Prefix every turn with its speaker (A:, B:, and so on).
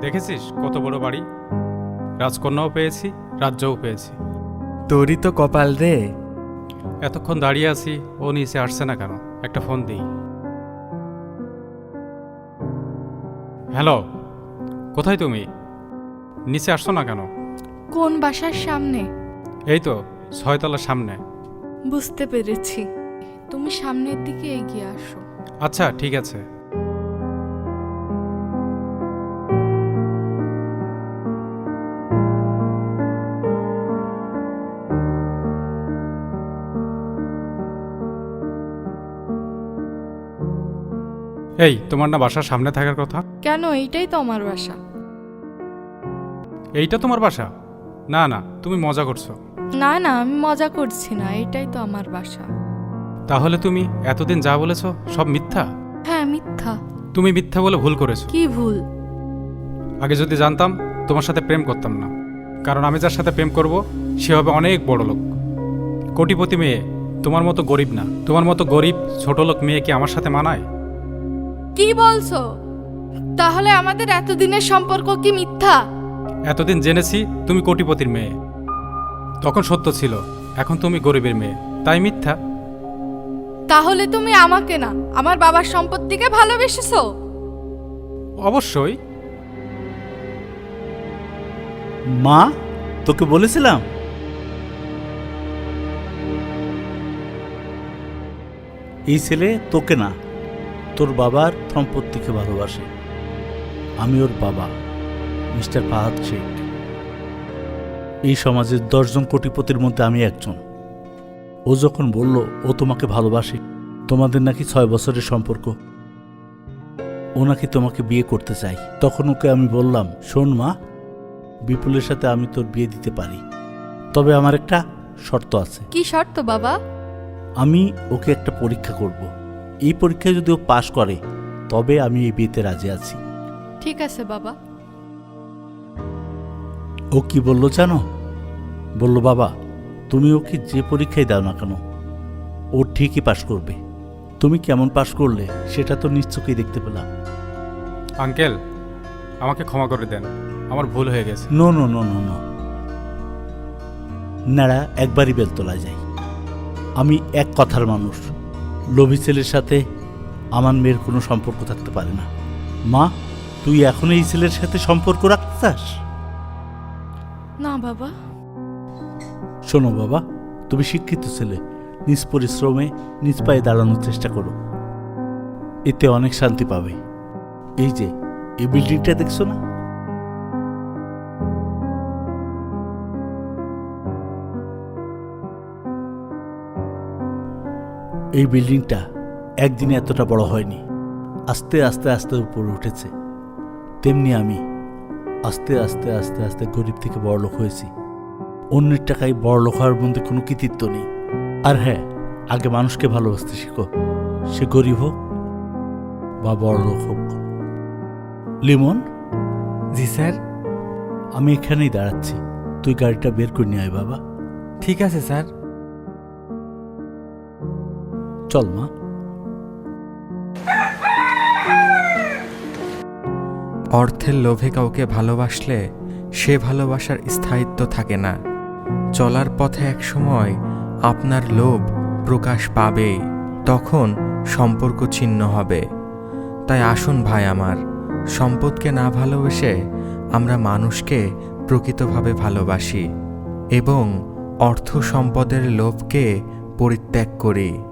A: দেখেছিস কত বড় বাড়ি, রাজকন্যাও পেয়েছি, রাজ্যও পেয়েছি।
B: তোরই তো কপাল রে।
A: এতক্ষণ দাঁড়িয়ে আছি, ও নিচে আসছে না কেন? একটা ফোন দিই। হ্যালো, কোথায় তুমি? নিচে আসছো না কেন?
C: কোন বাসার সামনে?
A: এই তো 6 তলার সামনে।
C: বুঝতে পেরেছি, তুমি সামনের দিকে এগিয়ে আসো।
A: আচ্ছা ঠিক আছে। এই, তোমার না বাসার সামনে থাকার কথা?
C: কেন? এইটাই তো আমার বাসা।
A: এইটা তোমার বাসা? না না, তুমি মজা করছো।
C: না না, আমি মজা করছি না, এটাই তো আমার বাসা।
A: তাহলে তুমি এতদিন যা বলেছো সব মিথ্যা?
C: হ্যাঁ, মিথ্যা।
A: তুমি মিথ্যা বলে ভুল করেছো।
C: কি ভুল?
A: আগে যদি জানতাম তোমার সাথে প্রেম করতাম না, কারণ আমি যার সাথে প্রেম করব সে হবে অনেক বড় লোক, কোটিপতি মেয়ে। তোমার মতো গরিব না। তোমার মতো গরিব ছোট লোক মেয়ে কি আমার সাথে মানায়?
C: কি বলছো? তাহলে আমাদের এতদিনের সম্পর্ক কি মিথ্যা?
A: এতদিন জেনেছি তুমি কোটিপতির মেয়ে, তখন সত্য ছিল। এখন তুমি গরিবের মেয়ে, তাই মিথ্যা।
C: তাহলে তুমি আমাকে না, আমার বাবার সম্পত্তিকে ভালোবেসেছো?
A: অবশ্যই।
D: মা, তোকে বলেছিলাম এই ছেলে তোকে না, তোর বাবার সম্পত্তিকে ভালোবাসে। আমি ওর বাবা, মিস্টার ফাহাদ শেখ। এই সমাজের 10 জন কোটিপতির মধ্যে আমি একজন। ও যখন বলল ও তোমাকে ভালোবাসে, তোমাদের নাকি 6 বছরের সম্পর্ক, ও নাকি তোমাকে বিয়ে করতে চাই, তখন ওকে আমি বললাম, শোন মা, বিপুলের সাথে আমি তোর বিয়ে দিতে পারি, তবে আমার একটা শর্ত আছে।
C: কি শর্ত বাবা?
D: আমি ওকে একটা পরীক্ষা করব। এই পরীক্ষায় যদি ও পাশ করে তবে আমি এই বিয়েতে রাজি আছি।
C: ঠিক আছে বাবা।
D: ও কি বলল জানো? বলল, বাবা তুমি ওকে যে পরীক্ষায় দাও না কেন ও ঠিকই পাশ করবে। তুমি কেমন পাশ করলে সেটা তো নিশ্চয়ই দেখতে পেলাম।
A: আঙ্কেল, আমাকে ক্ষমা করে দেন, আমার ভুল হয়ে গেছে।
D: No no no no no, নাড়া একবারই বেলতলায় যাই। আমি এক কথার মানুষ, লোভী ছেলের সাথে আমার মেয়ের কোনো সম্পর্ক থাকতে পারে না। মা, তুই এখন এই ছেলের সাথে সম্পর্ক রাখতে চাস?
C: না বাবা।
D: শোনো বাবা, তুমি শিক্ষিত ছেলে, নিজ পরিশ্রমে নিজ পায়ে দাঁড়ানোর চেষ্টা করো, এতে অনেক শান্তি পাবে। এই যে এই বিল্ডিংটা দেখছো না, এই বিল্ডিংটা একদিনে এতটা বড় হয়নি, আস্তে আস্তে আস্তে উপরে উঠেছে। তেমনি আমি আস্তে আস্তে আস্তে আস্তে গরিব থেকে বড়লোক হয়েছি। অন্যের টাকায় বড়লোক হওয়ার মধ্যে কোনো কৃতিত্ব নেই। আর হ্যাঁ, আগে মানুষকে ভালোবাসতে শিখো, সে গরিব হোক বা বড়লোক হোক। লিমন।
B: জি স্যার।
D: আমি এখানেই দাঁড়াচ্ছি, তুই গাড়িটা বের করে নিয়ে আয় বাবা।
B: ঠিক আছে স্যার।
D: চল মা।
B: অর্থের লোভে কাউকে ভালোবাসলে সে ভালোবাসার স্থায়িত্ব থাকে না। চলার পথে একসময় আপনার লোভ প্রকাশ পাবেই, তখন সম্পর্ক ছিন্ন হবে। তাই আসুন ভাই আমার, সম্পদকে না ভালোবেসে আমরা মানুষকে প্রকৃতভাবে ভালোবাসি এবং অর্থ সম্পদের লোভকে পরিত্যাগ করি।